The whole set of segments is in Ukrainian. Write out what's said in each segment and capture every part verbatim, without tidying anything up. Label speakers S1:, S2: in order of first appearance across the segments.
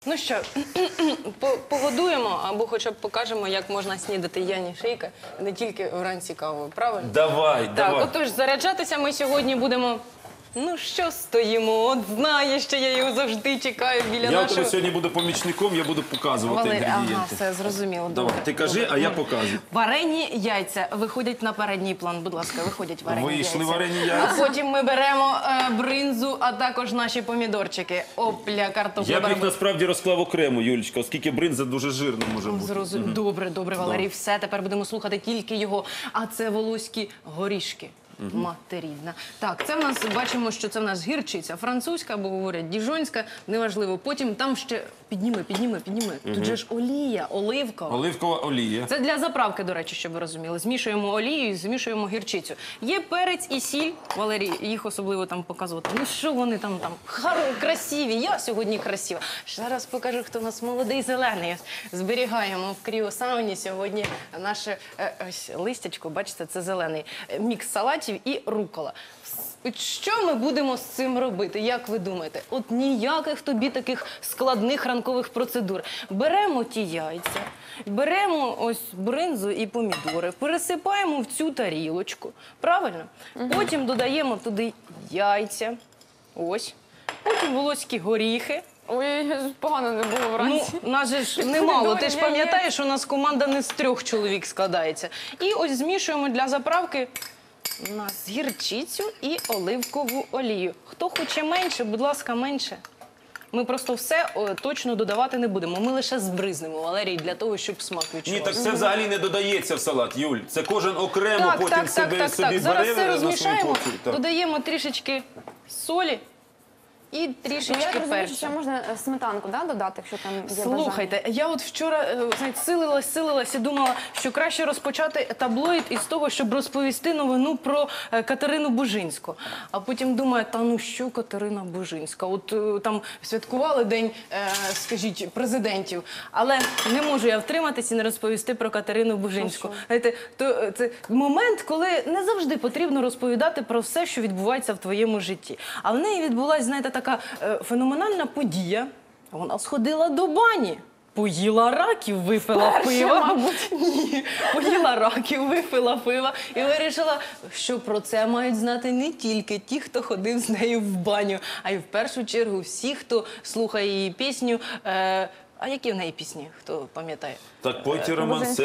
S1: Ну що, погодуємо або хоча б покажемо, як можна снідати Яні Шейка не тільки вранці кавою, правильно?
S2: Давай,
S1: так,
S2: давай.
S1: Отож, заряджатися ми сьогодні будемо... Ну що стоїмо? От знаєш, що я його завжди чекаю біля
S2: Я
S1: нашого...
S2: у тебе сьогодні буду помічником, я буду показувати
S1: Валерій, ага,
S2: інгредієнти.
S1: все, зрозуміло.
S2: Давай,
S1: Добре.
S2: ти кажи,
S1: Добре.
S2: а я показую.
S1: Варені яйця виходять на передній план. Будь ласка, виходять варені
S2: Вийшли
S1: яйця.
S2: варені яйця.
S1: А потім ми беремо е, бринзу, а також наші помідорчики. Опля, картопля.
S2: Я б їх
S1: беремо.
S2: насправді розклав окремо, Юлічка, оскільки бринза дуже жирна може бути.
S1: Зрозуміло. Добре, добре, Валерій, все, тепер будемо слухати тільки його. А це волоські горішки. Матерідна. Так, це в нас, бачимо, що це в нас гірчиця французька, або говорять діжонська, неважливо. Потім там ще, підніми, підніми, підніми. Тут же ж олія, оливкова.
S2: Оливкова олія.
S1: Це для заправки, до речі, щоб ви розуміли. Змішуємо олію і змішуємо гірчицю. Є перець і сіль, Валерій, їх особливо там показувати. Ну що вони там, там, Харо, красиві, я сьогодні красива. Зараз покажу, хто у нас молодий зелений. Зберігаємо в кріосауні сьогодні наше е, ось листячко, бачите, це зелений. Мікс салатів і рукола. Що ми будемо з цим робити, як ви думаєте? От ніяких тобі таких складних ранкових процедур. Беремо ті яйця, беремо ось бринзу і помідори, пересипаємо в цю тарілочку, правильно? Потім додаємо туди яйця, ось, потім волоські горіхи.
S3: Ой, погано не було
S1: Ну,
S3: вранці.
S1: нас же ж немало, ти ж
S3: Помідори,
S1: пам'ятаєш, у нас команда не з трьох чоловік складається. І ось змішуємо для заправки у нас гірчицю і оливкову олію. Хто хоче менше, будь ласка, менше. Ми просто все о, точно додавати не будемо. Ми лише збризнемо, Валерій, для того, щоб смак
S2: Ні,
S1: відчувався.
S2: так це взагалі не додається в салат, Юль. Це кожен окремо
S1: Так,
S2: потім
S1: так, так,
S2: себе,
S1: так,
S2: собі
S1: так. Зараз
S2: бере
S1: все
S2: на свою
S1: розмішаємо,
S2: порцію. Так.
S1: додаємо трішечки солі і
S3: Ну,
S1: трішечки
S3: я розумію,
S1: перцю.
S3: що ще можна е, сметанку, да, додати, якщо там є бажання.
S1: Слухайте, я от вчора е, знаєте, силилась, силилась і думала, що краще розпочати таблоїд із того, щоб розповісти новину про е, Катерину Бужинську. А потім думаю, та ну що Катерина Бужинська? От е, там святкували день, е, скажіть, президентів, але не можу я втриматись і не розповісти про Катерину Бужинську. Знаєте, то е, це момент, коли не завжди потрібно розповідати про все, що відбувається в твоєму житті. А в неї відбулася, знаєте, така е, феноменальна подія. Вона сходила до бані. Поїла раків, випила пива. Мабуть. Ні, поїла раків, випила пива і вирішила, що про це мають знати не тільки ті, хто ходив з нею в баню, а й в першу чергу всі, хто слухає її пісню. Е, а які в неї пісні, хто пам'ятає?
S2: Так, пойте романсера,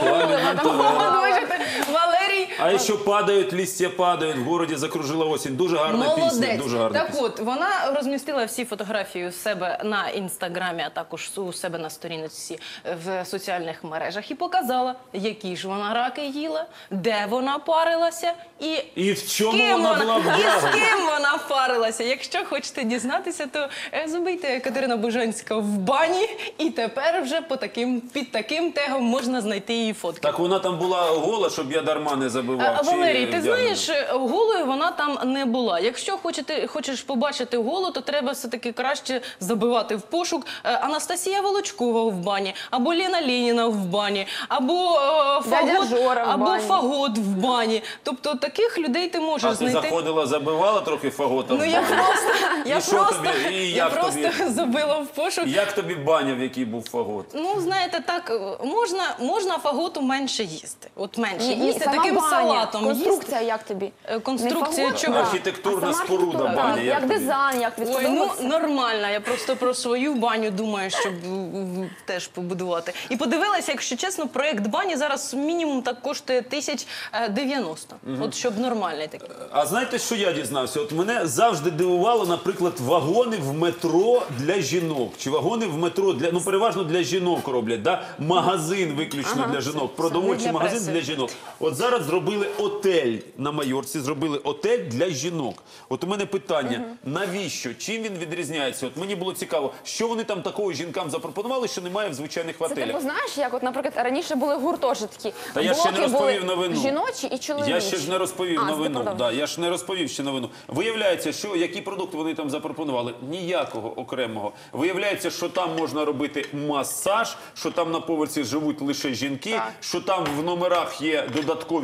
S1: Валерій,
S2: А ще падають, листя падають, в городі закружила осінь. Дуже гарна пісня,
S1: молодець.
S2: дуже гарна
S1: Так
S2: пісня.
S1: от, вона розмістила всі фотографії у себе на інстаграмі, а також у себе на сторінці в соціальних мережах і показала, які ж вона раки їла, де вона парилася і,
S2: І в чому
S1: ким
S2: вона була
S1: і з
S2: вдягнена.
S1: ким вона парилася. Якщо хочете дізнатися, то е, забийте Катерина Бужинська в бані, і тепер вже по таким, під таким тегом можна знайти її фотки.
S2: Так вона там була гола, щоб я дарма не забивав.
S1: А,
S2: чи
S1: Валерій, ти
S2: вдягнена?
S1: знаєш, голою вона там не була. Якщо хочете, хочеш побачити голу, то треба все-таки краще забивати в пошук е, Анастасія Волочкова в бані, або Лена Леніна в бані, або, е,
S3: Дядя
S1: фагот,
S3: Жора в
S1: або
S3: бані.
S1: фагот в бані. Тобто таких людей ти можеш
S2: А ти
S1: знайти.
S2: заходила, забивала трохи фагота?
S1: Ну
S2: в
S1: я
S2: баню?
S1: просто, я
S2: І що
S1: просто,
S2: тобі? І
S1: я
S2: як
S1: просто
S2: тобі?
S1: забила в пошук.
S2: Як тобі баня, в якій був фагот?
S1: Ну, знаєте, так, можна, можна фаготу менше їсти. От менше
S3: Ні, ні,
S1: їсти,
S3: сама
S1: таким
S3: баня.
S1: салатом
S3: Конструкція як тобі?
S1: Е, конструкція
S3: Не фагот,
S1: чого?
S3: а
S2: Архітектурна
S3: сама
S2: споруда
S3: архітектура.
S2: бані,
S3: Так,
S2: як
S3: Як
S2: тобі?
S3: дизайн, як
S1: Ой, ну
S3: відподобався.
S1: нормально. Я просто про свою баню думаю, щоб м, теж побудувати. І подивилася, якщо чесно, проєкт бані зараз мінімум так коштує тисяч дев'яносто. От щоб нормальний такий.
S2: А знаєте, що я дізнався? От мене завжди дивувало, наприклад, вагони в метро для жінок. Чи вагони в метро для, ну переважно для жінок роблять, да? Магазин виключно для жінок, продовольчий
S1: для
S2: магазин
S1: преси.
S2: для жінок. От зараз зробили отель на Майорці, зробили отель для жінок. От у мене питання, навіщо? Чим він відрізняється? От мені було цікаво, що вони там такого жінкам запропонували, що немає в звичайних
S3: Це
S2: готелях.
S3: типу, знаєш, як, от, наприклад, раніше були гуртожитки.
S2: Та я ще не
S3: Блоки
S2: розповів
S3: були
S2: новину.
S3: жіночі і чоловічі.
S2: Я ще ж не розповів
S3: А, ти
S2: новину.
S3: продовжуй.
S2: Да, я ж не розповів ще новину. Виявляється, що які продукти вони там запропонували? Ніякого окремого. Виявляється, що там можна робити масаж, що там на поверсі живуть лише жінки,
S3: Так.
S2: що там в номерах є додаткові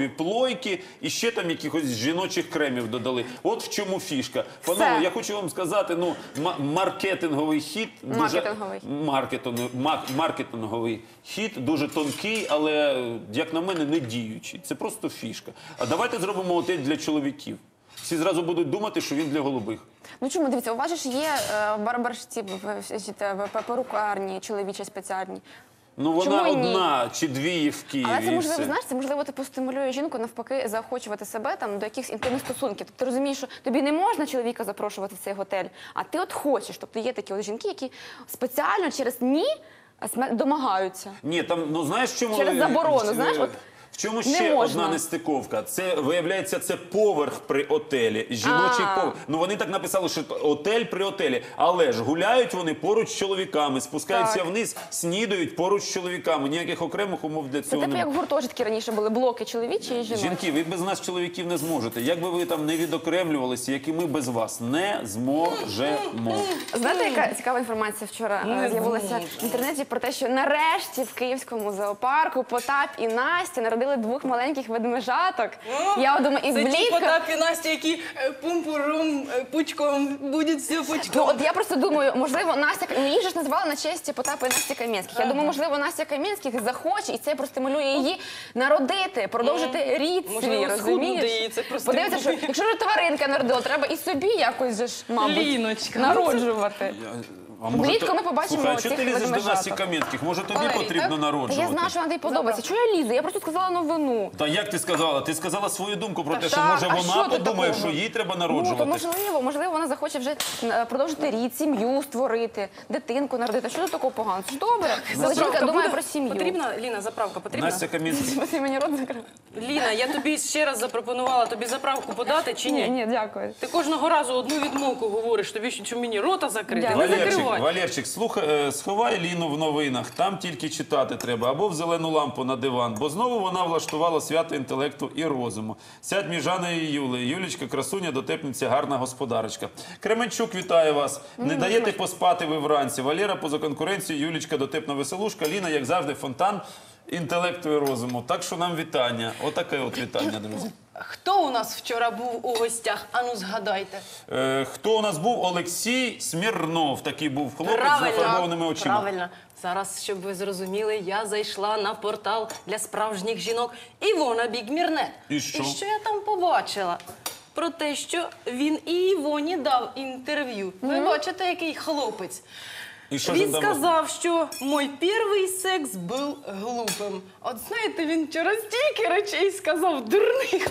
S2: кольорові плойки і ще там якихось жіночих кремів додали. От в чому фішка. Панове, я хочу вам сказати, ну, ма- маркетинговий хід. дуже-
S3: Маркетинговий.
S2: Маркетинговий, мак- маркетинговий хід, дуже тонкий, але, як на мене, не діючий. Це просто фішка. А давайте зробимо отель для чоловіків. Всі зразу будуть думати, що він для голубих.
S3: Ну чому, дивіться, у вас же ж є е, барбаршці, в- в- в- в- перукарні чоловічі спеціальні.
S2: Ну, вона
S3: Чому ні?
S2: одна чи дві є в Києві.
S3: Але це
S2: і
S3: можливо,
S2: все.
S3: знаєш, це можливо типу стимулює жінку навпаки заохочувати себе там до якихось інтимних стосунків. Тобто ти розумієш, що тобі не можна чоловіка запрошувати в цей готель, а ти от хочеш. Тобто є такі от жінки, які спеціально через ні сме- домагаються.
S2: Ні, там, ну знаєш, в чому...
S3: Через заборону,
S2: е,
S3: знаєш, от
S2: в чому
S3: не
S2: ще
S3: можна.
S2: одна нестиковка? Це, виявляється, це поверх при отелі. Жіночий
S3: А.
S2: поверх. Ну, вони так написали, що отель при отелі. Але ж гуляють вони поруч з чоловіками, спускаються
S3: Так.
S2: вниз, снідають поруч з чоловіками. Ніяких окремих умов для
S3: це
S2: цього
S3: типу
S2: немає.
S3: як гуртожитки раніше були, блоки чоловічі і жіночі.
S2: Жінки, ви без нас, чоловіків, не зможете. Як би ви там не відокремлювалися, як і ми без вас, не зможемо.
S3: Знаєте, яка цікава інформація вчора е,
S1: Не
S3: з'явилася
S1: зможу.
S3: в інтернеті про те, що нарешті в Київському зоопарку Потап і Настя народили двох маленьких ведмежаток. Я думаю, і
S1: Це ті
S3: влітку...
S1: Потап і Настя, які е, пумпуром, е, пучком, буде все пучком.
S3: Ну, от я просто думаю, можливо, Настя, ну, її ж ж назвали на честь Потапа і Насті Кам'янських. Я думаю, можливо, Настя Кам'янських захоче, і це простимулює її народити, продовжити рід свій,
S1: Можливо, схуднути
S3: розумієш?
S1: її, це простимулює.
S3: Подивіться, що якщо ж тваринка народила, треба і собі якось же ж, мабуть,
S1: Ліночка.
S3: народжувати.
S2: А може
S3: Влітку
S2: то-
S3: ми побачимо
S2: Слухай, а чого
S3: цих
S2: ти лізеш до
S3: ведмежаток.
S2: Насті Кам'янських? Може тобі
S1: Валерій,
S2: потрібно
S1: так?
S3: Та
S2: народжувати?
S3: я знаю, що вона тобі подобається. Чого я лізу? Я просто сказала новину.
S2: Та як ти сказала? Ти сказала свою думку про те, що
S3: так,
S2: може
S3: а
S2: вона
S3: що тут
S2: подумає,
S3: такого?
S2: що їй треба
S3: Ну, то
S2: народжувати.
S3: можливо, можливо, вона захоче вже е, продовжити рід, сім'ю створити, дитинку народити. Що тут такого поганого? Це ж добре. Коли жінка думає
S1: буде?
S3: про сім'ю.
S1: Потрібна, Ліна, заправка потрібна?
S2: Настя Кам'янських.
S3: Ти мені рот закрив?
S1: Ліна, я тобі ще раз запропонувала тобі заправку подати чи ні?
S3: Ні, ні, дякую.
S1: Ти кожного разу одну відмовку говориш, тобі що, що мені рота закрити?
S3: Дякую.
S1: Не
S2: Валерчик,
S1: закривай.
S2: Валерчик, слухай, е, сховай Ліну в новинах, там тільки читати треба, або в зелену лампу на диван, бо знову вона влаштувала свято інтелекту і розуму. Сядь між Жаною і Юлею. Юлічка, красуня, дотепниця, гарна господарочка. Кременчук вітає вас. Не даєте поспати ви вранці. Валера поза конкуренцією, Юлічка, дотепна веселушка, Ліна, як завжди, фонтан інтелекту і розуму. Так що нам вітання. Отаке от вітання, друзі.
S1: Хто у нас вчора був у гостях? Ану, згадайте.
S2: Е, хто у нас був? Олексій Смірнов. Такий був хлопець з нафарбованими очима.
S1: Правильно. Зараз, щоб ви зрозуміли, я зайшла на портал для справжніх жінок Івона Бігмірнет.
S2: І що?
S1: І що я там побачила? Про те, що він і Івоні дав інтерв'ю. Ви бачите, який хлопець.
S2: І що ж
S1: Він
S2: він там
S1: сказав, що мій перший секс був глупим. От знаєте, він вчора стільки речей сказав дурних,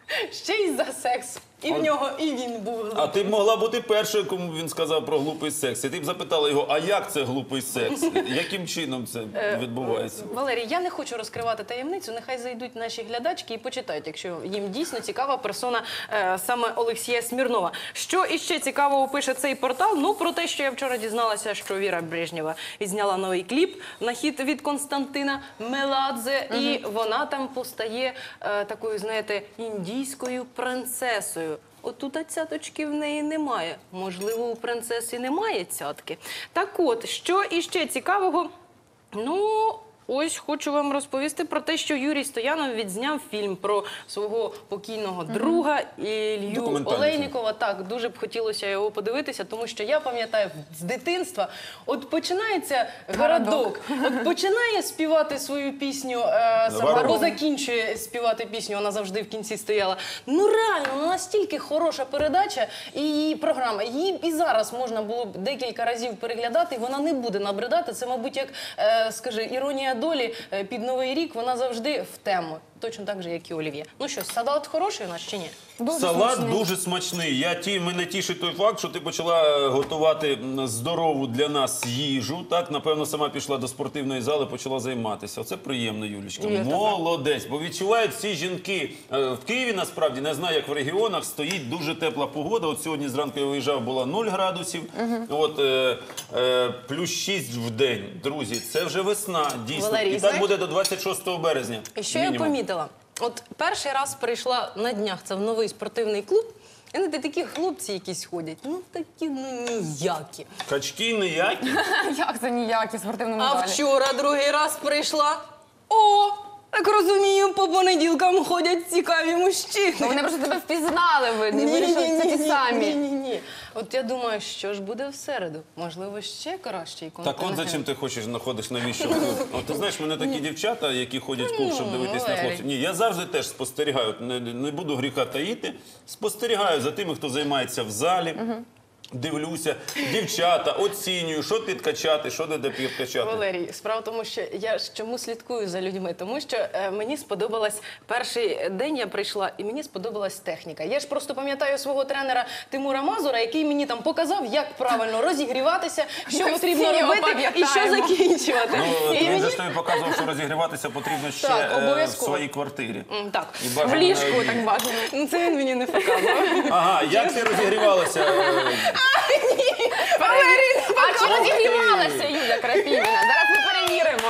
S1: ще й за секс. І в нього, і він був глупим.
S2: А ти б могла бути першою, кому він сказав про глупий секс. І ти б запитала його, а як це глупий секс? Яким чином це відбувається?
S1: Валерій, я не хочу розкривати таємницю, нехай зайдуть наші глядачки і почитають, якщо їм дійсно цікава персона е, саме Олексія Смірнова. Що іще цікавого пише цей портал? Ну, про те, що я вчора дізналася, що Віра Брежнєва відзняла новий кліп на хіт від Константина Меладзе, і вона там постає е, такою, знаєте, індійською принцесою. Отут цяточки в неї немає. Можливо, у принцеси немає цятки. Так от, що іще цікавого? Ну, ось хочу вам розповісти про те, що Юрій Стоянов відзняв фільм про свого покійного друга Ілью
S2: Документальний
S1: Олейнікова. Так, дуже б хотілося його подивитися, тому що я пам'ятаю з дитинства, от починається городок, от починає співати свою пісню, е, сама,
S2: Варум.
S1: або закінчує співати пісню, вона завжди в кінці стояла. Ну реально, ну, настільки хороша передача і програма. Її і зараз можна було б декілька разів переглядати, і вона не буде набридати. Це, мабуть, як, е, скажи, іронія долі е, під Новий рік, вона завжди в тему. Точно так же, як і олів'є. Ну що, салат хороший у нас чи ні?
S3: Дуже
S2: Салат
S3: смачний.
S2: дуже смачний. Я ті, мене тішить той факт, що ти почала готувати м, здорову для нас їжу. Так, напевно, сама пішла до спортивної зали, почала займатися. Оце приємно, Юлічка.
S1: Є таке.
S2: Молодець. Бо відчувають всі жінки. Е, В Києві, насправді, не знаю, як в регіонах, стоїть дуже тепла погода. От сьогодні зранку я виїжджав, було нуль градусів. От е, е, плюс шість в день. Друзі, це вже весна, дійсно.
S1: Валерій,
S2: І так
S1: знаєш-
S2: буде до двадцять шостого березня.
S1: І що я
S2: мінімум.
S1: помітила? От перший раз прийшла на днях це в новий спортивний клуб, і знаєте, такі хлопці якісь ходять, ну такі ну ніякі.
S2: Качки ніякі.
S3: Як це ніякі в спортивному
S1: А
S3: залі?
S1: вчора другий раз прийшла, о, Так розумію, по понеділкам ходять цікаві мужчини.
S3: Ну, вони просто тебе впізнали, видно, і вирішили, що це ті самі.
S1: Ні, ні, ні. От я думаю, що ж буде в середу? Можливо, ще кращий
S2: Так
S1: контент.
S2: от зачем ти хочеш, знаходиш навіщо клуб? От ти знаєш, мене такі дівчата, які ходять в клуб, щоб дивитись на
S1: Валерій.
S2: хлопців. Ні, я завжди теж спостерігаю, не, не буду гріха таїти, спостерігаю за тими, хто займається в залі. Дивлюся, дівчата, оцінюю, що підкачати, що де підкачати.
S1: Валерій, справа в тому, що я ж чому слідкую за людьми, тому що е, мені сподобалась перший день, я прийшла, і мені сподобалась техніка. Я ж просто пам'ятаю свого тренера Тимура Мазура, який мені там показав, як правильно розігріватися, що потрібно
S3: всі його
S1: робити і що
S3: пам'ятаємо.
S1: закінчувати.
S2: Ну,
S1: І
S2: він
S1: мені-
S2: же ж тобі показував, що розігріватися потрібно ще
S1: Так,
S2: е, в
S1: обов'язково.
S2: своїй квартирі.
S1: М, Так,
S2: І
S3: В
S2: бажано
S3: ліжку
S2: навіть-
S3: так бажано.
S1: ну, це він мені не показував.
S2: Ага, як ти розігрівалася? е,
S3: А чи розігрівалася Юля Крапівіна? Зараз ми перевіримо.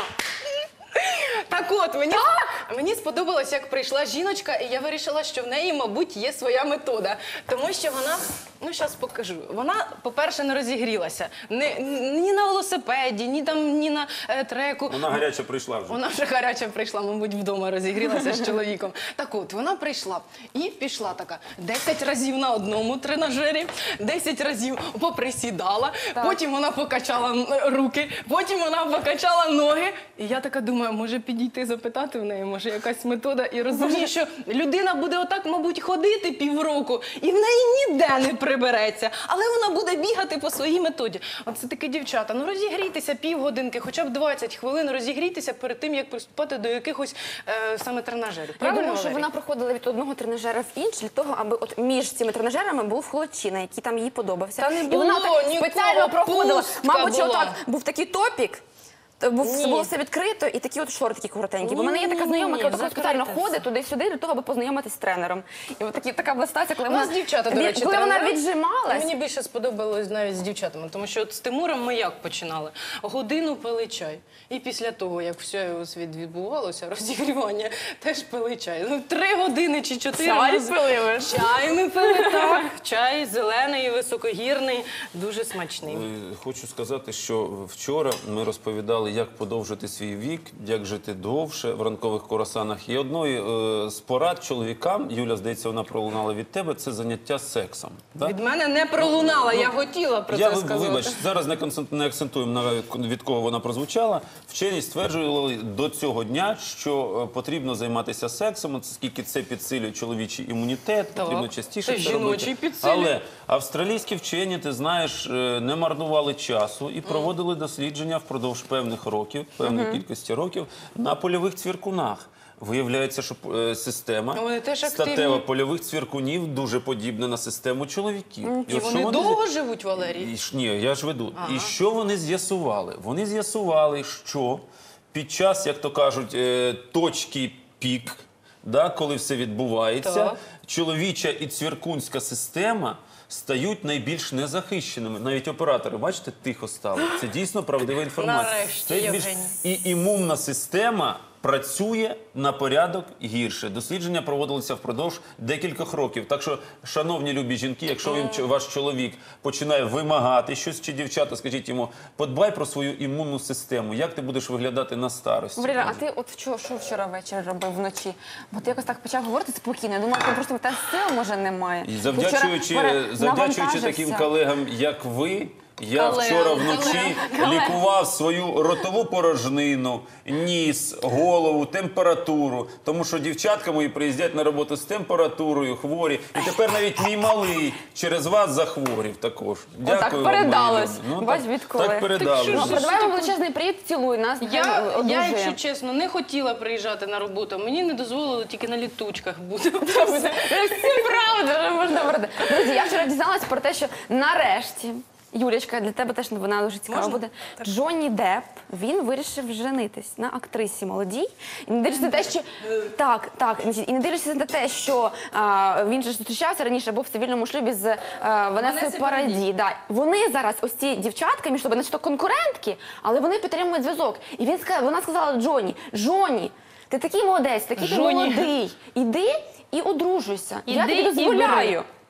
S1: Так от, мені, мені сподобалось, як прийшла жіночка, і я вирішила, що в неї, мабуть, є своя метода. Тому що вона, ну, зараз покажу, вона, по-перше, не розігрілася. Ні, ні на велосипеді, ні, там, ні на е, треку.
S2: Вона гаряча прийшла вже.
S1: Вона вже гаряча прийшла, мабуть, вдома розігрілася з чоловіком. Так от, вона прийшла і пішла така десять разів на одному тренажері, десять разів поприсідала, потім вона покачала м, руки, потім вона покачала ноги. І я така думаю, може підійти запитати в неї, може якась метода. І розумію, що людина буде отак, мабуть, ходити півроку, і в неї ніде не прибереться, але вона буде бігати по своїй методі. Оце таке, дівчата, ну розігрійтеся півгодинки, хоча б двадцять хвилин розігрійтеся перед тим, як приступати до якихось е, саме тренажерів.
S3: Я
S1: Правильно,
S3: думаю, що
S1: Валерій?
S3: вона проходила від одного тренажера в інший для того, аби от між цими тренажерами був хлопчина, який там їй подобався.
S1: Та не
S3: І
S1: було
S3: вона так
S1: нікого,
S3: спеціально проходила.
S1: пустка
S3: Мабуть,
S1: була.
S3: отак був такий топік. то Був,
S1: Ні.
S3: було все відкрито і такі от шортики коротенькі. Бо в мене є така
S1: Ні-ні-ні,
S3: знайома, яка отак спеціально
S1: закрите
S3: ходить
S1: все.
S3: туди-сюди для того, аби познайомитись з тренером. І от такі, така була ситуація, коли
S1: У нас
S3: вона,
S1: дівчата, до
S3: від-
S1: речі,
S3: коли вона
S1: тренери.
S3: віджималась.
S1: Мені більше сподобалось навіть з дівчатами, тому що от з Тимуром ми як починали? Годину пили чай. І після того, як все у світ відбувалося, розігрівання, теж пили чай. Ну, три години чи чотири.
S3: Чай
S1: ми з-
S3: пили ви?
S1: Чай ми пили, так. Чай зелений, високогірний, дуже смачний.
S2: Е, Хочу сказати, що вчора ми розповідали, як подовжити свій вік, як жити довше в ранкових курасанах. І одною е, з порад чоловікам, Юля, здається, вона пролунала від тебе, це заняття сексом. Да?
S1: Від мене не пролунала, я хотіла про
S2: Я
S1: це
S2: ви-
S1: сказати.
S2: вибач, зараз не, концент- не акцентуємо на від кого вона прозвучала. Вчені стверджували до цього дня, що е, потрібно займатися сексом, оскільки це підсилює чоловічий імунітет,
S1: Так.
S2: потрібно частіше
S1: Це
S2: це
S1: жіночий
S2: робити.
S1: підсилює.
S2: Але австралійські вчені, ти знаєш, е, не марнували часу і проводили дослідження впродовж певних років, певної кількості років на польових цвіркунах. Виявляється, що е, система
S1: Вони теж активні.
S2: статева польових цвіркунів дуже подібна на систему чоловіків.
S1: І
S2: от що
S1: вони
S2: зі-
S1: довго живуть, Валерій?
S2: і ж- Ні, я ж веду. І що вони з'ясували? Вони з'ясували, що під час, як то кажуть, е, точки пік, да, коли все відбувається,
S1: Так.
S2: чоловіча і цвіркунська система стають найбільш незахищеними. Навіть оператори, бачите, тихо стали. Це дійсно правдива інформація.
S1: Нарешті,
S2: Це більш...
S1: Євгеній.
S2: І імунна система працює на порядок гірше. Дослідження проводилися впродовж декількох років. Так що, шановні любі жінки, якщо він, ч- ваш чоловік починає вимагати щось, чи дівчата, скажіть йому, подбай про свою імунну систему. Як ти будеш виглядати на старості?
S3: Валера, а ти от вчора, що вчора ввечері робив вночі? Бо ти якось так почав говорити спокійно. Я думаю, ти просто в тебе сил, може, немає.
S2: І
S3: Ти
S2: завдячуючи,
S3: вчора пере-
S2: завдячуючи
S3: навантажився.
S2: таким колегам, як ви, я
S1: Колегам,
S2: вчора вночі лікував свою ротову порожнину, ніс, голову, температуру. Тому що дівчатка мої приїздять на роботу з температурою, хворі. І тепер навіть мій малий через вас захворів також. Дякую вам,
S3: передалось.
S2: мої любі. Ну,
S3: Бач,
S2: так,
S3: відколи.
S2: так передалось.
S1: Так
S3: Ну,
S1: що ж
S3: передаваємо величезний привіт, цілуй нас.
S1: Я,
S3: нехай
S1: я,
S3: одужує.
S1: якщо чесно, не хотіла приїжджати на роботу. Мені не дозволили тільки на літучках бути.
S3: Це всі правда, вже можна брати. Друзі, я вчора дізналась про те, що нарешті, Юлічка, для тебе теж вона дуже цікава
S1: Можна?
S3: буде. Джонні Депп, він вирішив женитись на актрисі молодій. І не дивлячись на те, що так, так, значить, і не дивлячись на те, що а, він же зустрічався раніше, був в цивільному шлюбі з а, Ванесою
S1: Ванеси
S3: Параді. Да. Вони зараз ось ці дівчатка між собою, начебто конкурентки, але вони підтримують зв'язок. І він сказав, вона сказала Джонні, Джонні, ти такий молодець, такий ти
S1: Джонні.
S3: молодий. Іди і одружуйся. я
S1: Іди
S3: тобі
S1: і
S3: дозволяю.
S1: бери.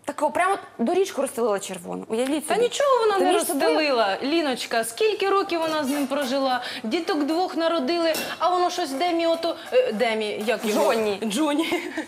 S3: Таку прямо доріжку розстелила червону. Уявіть
S1: Та
S3: собі.
S1: нічого вона
S3: Ти
S1: не
S3: між собою-
S1: розстелила, Ліночка. Скільки років вона з ним прожила? Діток двох народили, а воно щось Демі ото... е, Демі, як його?
S3: Джонні.
S1: Джонні.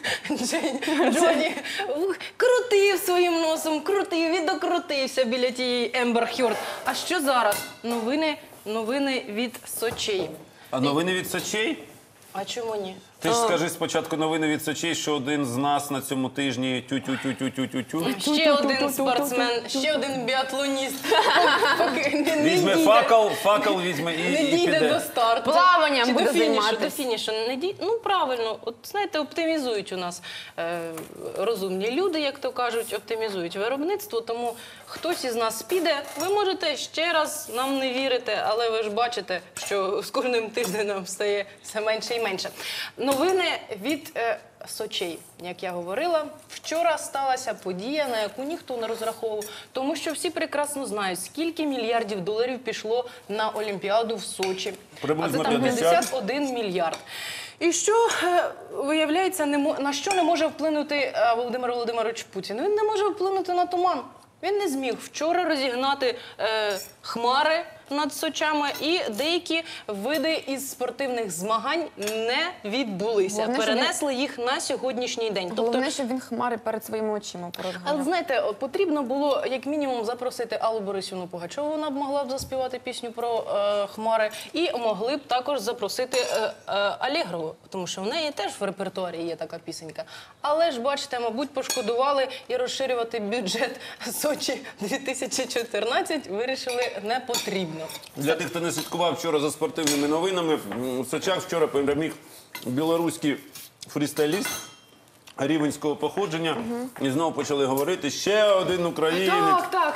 S1: Джей- Джонні. Ух, крутив своїм носом, крутив і докрутився біля тієї Ембер Хьорд. А що зараз? Новини, новини від Сочей.
S2: А новини від Сочей?
S1: А чому ні?
S2: Ти ж скажи спочатку новини від Сочей, що один з нас на цьому тижні тю-тю-тю-тю-тю-тю.
S1: Ще один спортсмен, ще один біатлоніст. Поки не- не
S2: Візьме
S1: дійде.
S2: факел, факел візьме і,
S1: Не
S2: і
S1: дійде до
S2: піде.
S1: старту.
S3: Плаванням
S1: Чи
S3: буде
S1: до фінішу,
S3: займатись.
S1: до фінішу. Не дій... Ну, правильно. От, знаєте, оптимізують у нас е, розумні люди, як то кажуть, оптимізують виробництво, тому хтось із нас піде. Ви можете ще раз нам не вірити, але ви ж бачите, що з кожним тижнем стає все менше і менше. Новини від е, Сочей, як я говорила, вчора сталася подія, на яку ніхто не розраховував, тому що всі прекрасно знають, скільки мільярдів доларів пішло на Олімпіаду в Сочі.
S2: Приблизно
S1: а це там
S2: п'ятдесят.
S1: п'ятдесят один мільярд. І що, е, виявляється, не мо- на що не може вплинути е, Володимир Володимирович Путін? Він не може вплинути на туман. Він не зміг вчора розігнати е, хмари над Сочами, і деякі види із спортивних змагань не відбулися.
S3: Головне, що
S1: Перенесли їх на сьогоднішній день.
S3: Головне, щоб він хмари перед своїми очима
S1: Але
S3: порозганяв.
S1: знаєте, от потрібно було як мінімум запросити Аллу Борисівну Пугачову, вона б могла б заспівати пісню про е, хмари, і могли б також запросити е, е, Алєгрову, тому що в неї теж в репертуарі є така пісенька. Але ж, бачите, мабуть, пошкодували і розширювати бюджет Сочі дві тисячі чотирнадцять вирішили не потрібно.
S2: Для тих, хто не слідкував вчора за спортивними новинами, м, в Сочах вчора переміг білоруський фрістайліст рівенського походження. І знову почали говорити, ще один українець,
S1: Так, так.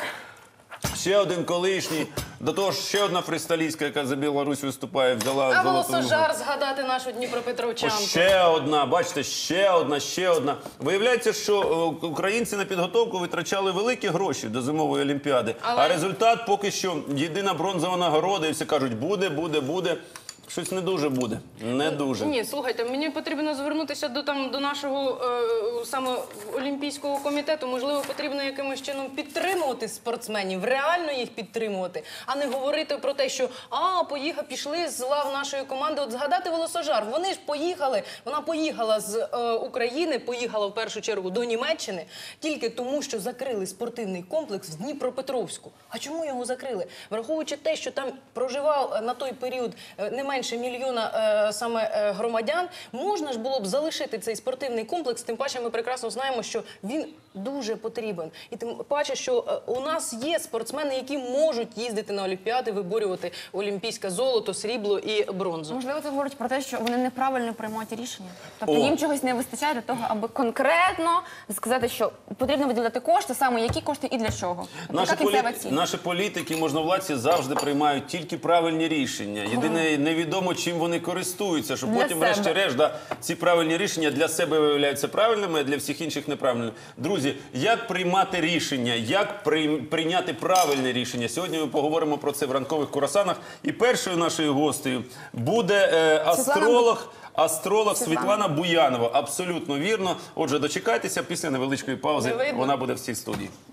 S2: ще один колишній. До того ж, ще одна фрістайлістка, яка за Білорусь виступає, взяла
S1: А
S2: золоту
S1: волосожар згадати нашу Дніпропетровчанку.
S2: Ще одна, бачите, ще одна, ще одна. Виявляється, що е, українці на підготовку витрачали великі гроші до зимової олімпіади.
S1: Але-
S2: А результат поки що єдина бронзова нагорода, і всі кажуть, буде, буде, буде. Щось не дуже буде. Не дуже.
S1: Ні, слухайте, мені потрібно звернутися до там до нашого е, саме Олімпійського комітету. Можливо, потрібно якимось чином підтримувати спортсменів, реально їх підтримувати, а не говорити про те, що а поїхав, пішли з лав нашої команди. От згадати волосожар. Вони ж поїхали. Вона поїхала з е, України, поїхала в першу чергу до Німеччини тільки тому, що закрили спортивний комплекс в Дніпропетровську. А чому його закрили? Враховуючи те, що там проживав е, на той період е, не менше мільйона е, саме е, громадян, можна ж було б залишити цей спортивний комплекс, тим паче ми прекрасно знаємо, що він дуже потрібен. І тим паче, що е, у нас є спортсмени, які можуть їздити на Олімпіади, виборювати олімпійське золото, срібло і бронзу.
S3: Можливо, це говорить про те, що вони неправильно приймають рішення. Тобто
S2: О.
S3: їм чогось не вистачає для того, аби конкретно сказати, що потрібно виділяти кошти, саме які кошти і для чого. Тобто,
S2: Наші,
S3: яка
S2: полі...
S3: кінцева ціль.
S2: Наші політики, можновладці завжди приймають тільки правильні рішення. Єдине, невідомо, чим вони користуються, щоб
S3: Для
S2: потім,
S3: себе.
S2: врешті-решт, да, ці правильні рішення для себе виявляються правильними, а для всіх інших неправильними. Друзі, як приймати рішення, як прийм- прийняти правильне рішення? Сьогодні ми поговоримо про це в ранкових курасанах. І першою нашою гостею буде е, астролог. Астролог
S3: Світлана.
S2: Світлана Буянова. Абсолютно вірно. Отже, дочекайтеся, після невеличкої паузи
S1: Не видно.
S2: вона буде в цій студії.